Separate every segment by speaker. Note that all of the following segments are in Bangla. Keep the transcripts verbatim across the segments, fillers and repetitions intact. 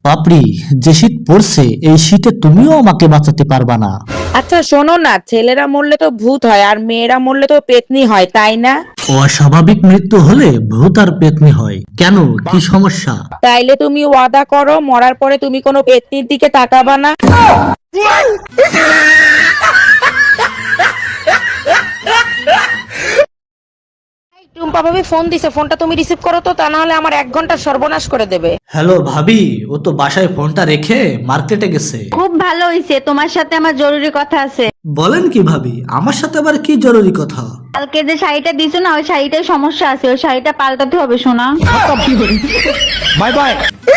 Speaker 1: বাপরি, যে শীত পড়ছে এই শীতে তুমিও আমাকে বাঁচাতে পারবা না।
Speaker 2: আচ্ছা শোনো না, ছেলেরা মরলে তো ভূত হয় আর মেয়েরা মরলে তো পেতনি হয়, তাই না?
Speaker 1: অস্বাভাবিক মৃত্যু হলে ভূত আর পেতনি হয় কেন, কি সমস্যা?
Speaker 2: তাইলে তুমি ওয়াদা করো মরার পরে তুমি কোনো পেতনির দিকে তাকাবা না। টুম্পা ভাবি ফোন দিছে, ফোনটা তুমি রিসিভ করো তো, তা না হলে আমার এক ঘন্টা সর্বনাশ করে দেবে।
Speaker 1: হ্যালো ভাবি, ও তো বাসায় ফোনটা রেখে মার্কেটে গেছে।
Speaker 3: খুব ভালো হইছে, তোমার সাথে আমার জরুরি কথা আছে।
Speaker 1: বলেন কি ভাবি, আমার সাথে আবার কি জরুরি কথা?
Speaker 3: কালকে যে শাড়িটা দিছো না, ওই শাড়িটায় সমস্যা আছে, ওই শাড়িটা পাল্টাতে হবে সোনা।
Speaker 1: Bye bye.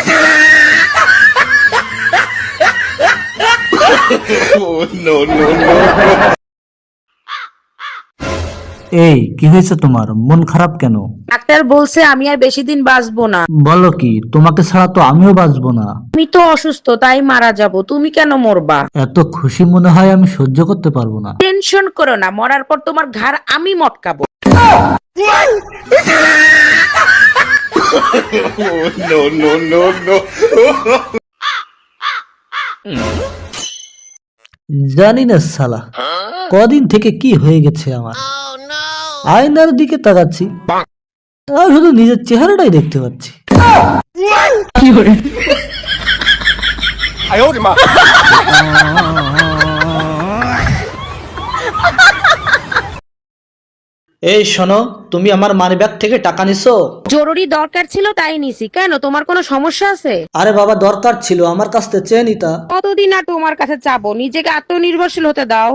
Speaker 1: এই কি হয়েছে তোমার, মন খারাপ কেন?
Speaker 2: ডাক্তার বলছে আমি আর বেশি দিন বাঁচবো না।
Speaker 1: বলো কি, তোমাকে ছাড়া তো আমিও বাঁচবো না।
Speaker 2: আমি তো অসুস্থ, তাই মারা যাব, তুমি কেন মরবা?
Speaker 1: এত খুশি মনে হয় আমি সহ্য করতে পারবো না।
Speaker 2: টেনশন করো না, মরার পর তোমার ঘাড় আমি মটকাবো।
Speaker 1: জানি না সালা, কদিন থেকে কি হয়ে গেছে আমার। আয়নার দিকে তাকাচ্ছি আর শুধু নিজের চেহারাটাই দেখতে পাচ্ছি। এই শোনো, তুমি আমার মানিব্যাগ থেকে টাকা নিছো?
Speaker 2: জরুরি দরকার ছিল তাই নিছি। কেন, তোমার কোনো সমস্যা আছে?
Speaker 1: আরে বাবা, দরকার ছিল, আমার কাছ থেকে চেয়ে নিতা।
Speaker 2: কতদিন আর তোমার কাছে চাবো? নিজেকে আত্মনির্ভরশীল হতে দাও।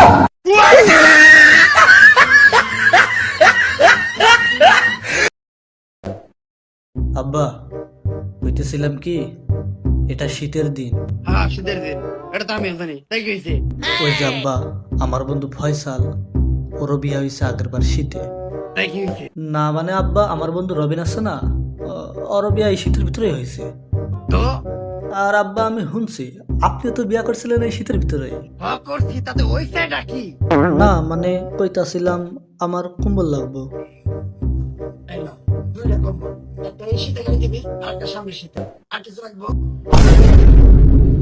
Speaker 1: আব্বা, কইতেছিলাম কি, এটা শীতের দিন।
Speaker 4: হ্যাঁ শীতের দিন, এটা তো আমি জানি, তাই কি হয়েছে?
Speaker 1: ওই যে আব্বা, আমার বন্ধু ফয়সাল, ওরও বিয়ে হয়েছে আগের বার শীতে।
Speaker 4: তাই কি হয়েছে?
Speaker 1: না মানে আব্বা, আমার বন্ধু রবিন আছে না, ও- ওরও বিয়ে এই শীতের ভিতরে হয়েছে।
Speaker 4: তো
Speaker 1: আর আব্বা, আমি শুনছি আপনিও তো বিয়ে করছিলেন এই শীতের ভিতরে।
Speaker 4: হ্যাঁ করছি, তাতে ওই সাইডটা কি?
Speaker 1: না মানে কইতাছিলাম আমার কম্বল লাগবো।
Speaker 4: এই নাও, দুইটা কম্বল, একটা এই শীতে গায়ে দিবি, আর একটা সামনের শীতে। আর কিছু রাখবো?